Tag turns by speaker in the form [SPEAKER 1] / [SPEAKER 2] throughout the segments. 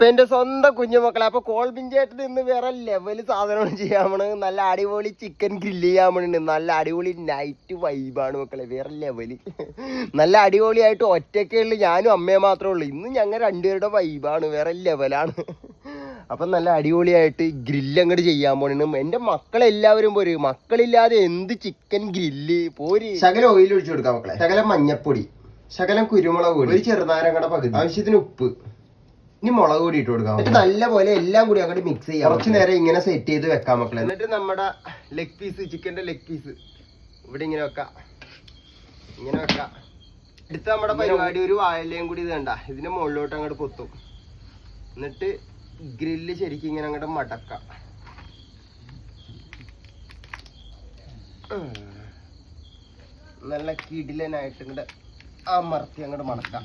[SPEAKER 1] അപ്പൊ എന്റെ സ്വന്തം കുഞ്ഞുമക്കളെ, അപ്പൊ കോൾബിഞ്ചേട്ടൻ ഇന്ന് വേറെ ലെവല് സാധനമാണ് ചെയ്യാൻ പോണത്. നല്ല അടിപൊളി ചിക്കൻ ഗ്രില്ല് ചെയ്യാൻ പോണുണ്ട്. നല്ല അടിപൊളി നൈറ്റ് വൈബാണ് മക്കളെ, വേറെ ലെവല്. നല്ല അടിപൊളിയായിട്ട് ഒറ്റയ്ക്കുള്ളു, ഞാനും അമ്മയെ മാത്രമേ ഉള്ളൂ. ഇന്ന് ഞങ്ങൾ രണ്ടുപേരുടെ വൈബാണ്, വേറെ ലെവലാണ്. അപ്പം നല്ല അടിപൊളിയായിട്ട് ഗ്രില്ല് അങ്ങോട്ട് ചെയ്യാൻ പോണു. എന്റെ മക്കളെല്ലാവരും പോര്, മക്കളില്ലാതെ എന്ത് ചിക്കൻ ഗ്രില്ല് പോര്. ശകലം ഓയിൽ ഒഴിച്ചു കൊടുക്കാം മക്കളെ, ശകലം മഞ്ഞപ്പൊടി, ശകലം കുരുമുളക് പൊടി, ഒരു ചെറുനാരങ്ങയുടെ പകുതി, ആവശ്യത്തിന് ഉപ്പ്, ഇനി മുളക് പൊടി ഇട്ട് കൊടുക്കാം. എന്നിട്ട് നല്ലപോലെ എല്ലാം കൂടി അങ്ങോട്ട് മിക്സ് ചെയ്യാം. കുറച്ച് നേരം ഇങ്ങനെ സെറ്റ് ചെയ്ത് വെക്കാം മക്കളെ. എന്നിട്ട് നമ്മുടെ ലെഗ് പീസ്, ചിക്കന്റെ ലെഗ് പീസ് ഇവിടെ ഇങ്ങനെ വെക്കാം, ഇങ്ങനെ വെക്കാം. അടുത്ത നമ്മുടെ പരിപാടി ഒരു വാഴയിലയും കൂടി ഇത് കണ്ട ഇതിന്റെ മുകളിലോട്ട് അങ്ങോട്ട് പൊത്തും. എന്നിട്ട് ഗ്രില്ല് ശരിക്കും ഇങ്ങനെ അങ്ങോട്ട് മടക്കാം. നല്ല കിടിലനായിട്ട് ഇങ്ങോട്ട് അമർത്തി അങ്ങോട്ട് മടക്കാം.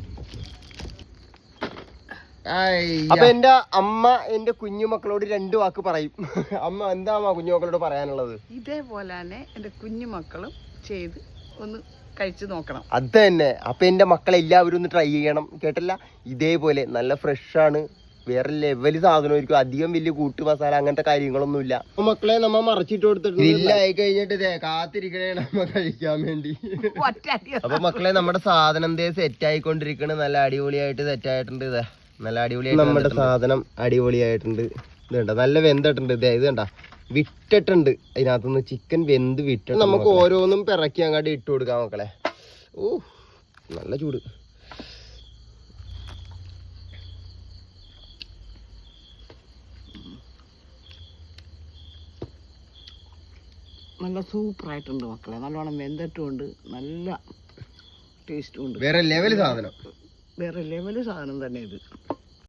[SPEAKER 1] അപ്പൊ എന്റെ അമ്മ എന്റെ കുഞ്ഞുമക്കളോട് 2 വാക്ക് പറയും. അമ്മ എന്താ അമ്മ കുഞ്ഞുമക്കളോട് പറയാനുള്ളത്?
[SPEAKER 2] ഇതേപോലെ തന്നെ എന്റെ കുഞ്ഞുമക്കളും ചെയ്ത് ഒന്ന് കഴിച്ചു നോക്കണം.
[SPEAKER 1] അത് തന്നെ. അപ്പൊ എന്റെ മക്കളെല്ലാവരും ഒന്ന് ട്രൈ ചെയ്യണം, കേട്ടല്ല? ഇതേപോലെ നല്ല ഫ്രഷ് ആണ്, വേറെ ലെവല് സാധനമായിരിക്കും. അധികം വലിയ കൂട്ട് മസാല അങ്ങനത്തെ കാര്യങ്ങളൊന്നുമില്ല. അപ്പൊ മക്കളെ നമ്മ മറച്ചിട്ട് കൊടുത്തിട്ട് ഗ്രില്ലായി കഴിഞ്ഞിട്ട് കാത്തിരിക്കണേ നമ്മ കഴിക്കാൻ വേണ്ടി. അപ്പൊ മക്കളെ നമ്മുടെ സാധനം സെറ്റ് ആയിക്കൊണ്ടിരിക്കണ്, നല്ല അടിപൊളിയായിട്ട് സെറ്റ് ആയിട്ടുണ്ട്. ഇതാ നല്ല അടിപൊളിയായിട്ട് നമ്മുടെ സാധനം അടിപൊളിയായിട്ടുണ്ട്. ഇത് കണ്ട നല്ല വെന്തിട്ടുണ്ട്. ഇത് കണ്ട വിട്ടിട്ടുണ്ട്, അതിനകത്തുനിന്ന് ചിക്കൻ വെന്ത് വിട്ടിട്ട് നമുക്ക് ഓരോന്നും പിറക്കി അങ്ങോട്ട് ഇട്ട് കൊടുക്കാം മക്കളെ. ഓ നല്ല ചൂട്.
[SPEAKER 2] നല്ല സൂപ്പറായിട്ടുണ്ട് മക്കളെ, നല്ലോണം വെന്തിട്ടുണ്ട്, നല്ല ടേസ്റ്റും ഉണ്ട്.
[SPEAKER 1] വേറെ ലെവല് സാധനം,
[SPEAKER 2] വേറെ ലെവല് സാധനം തന്നെ ഇത്.